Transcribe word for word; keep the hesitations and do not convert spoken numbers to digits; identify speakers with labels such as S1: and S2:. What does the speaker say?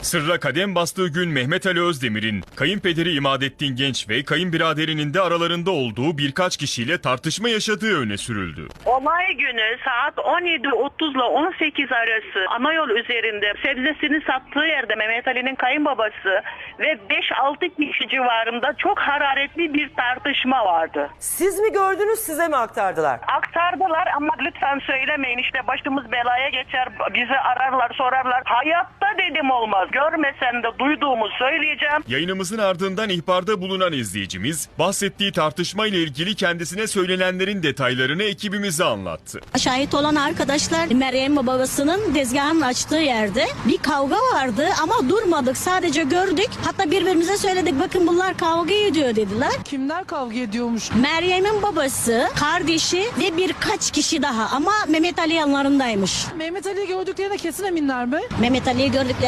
S1: Sırra kadem bastığı gün Mehmet Ali Özdemir'in kayınpederi İmadettin Genç ve kayınbiraderinin de aralarında olduğu birkaç kişiyle tartışma yaşadığı öne sürüldü.
S2: Olay günü saat on yedi otuz ile on sekiz arası ana yol üzerinde sebzesini sattığı yerde Mehmet Ali'nin kayınbabası ve beş altı kişi civarında çok hararetli bir tartışma vardı.
S3: Siz mi gördünüz, size mi aktardılar?
S2: Aktardılar ama lütfen söylemeyin, işte başımız belaya geçer, bizi ararlar sorarlar. Hayatta dedim olmaz. Görmesen de duyduğumu söyleyeceğim.
S1: Yayınımızın ardından ihbarda bulunan izleyicimiz bahsettiği tartışma ile ilgili kendisine söylenenlerin detaylarını ekibimize anlattı.
S4: Şahit olan arkadaşlar Meryem babasının tezgahının açtığı yerde bir kavga vardı ama durmadık, sadece gördük. Hatta birbirimize söyledik, bakın bunlar kavga ediyor dediler.
S5: Kimler kavga ediyormuş?
S4: Meryem'in babası, kardeşi ve birkaç kişi daha ama Mehmet Ali yanlarındaymış.
S5: Mehmet Ali'yi gördüklerine kesin eminler mi?
S4: Mehmet Ali'yi gördükleri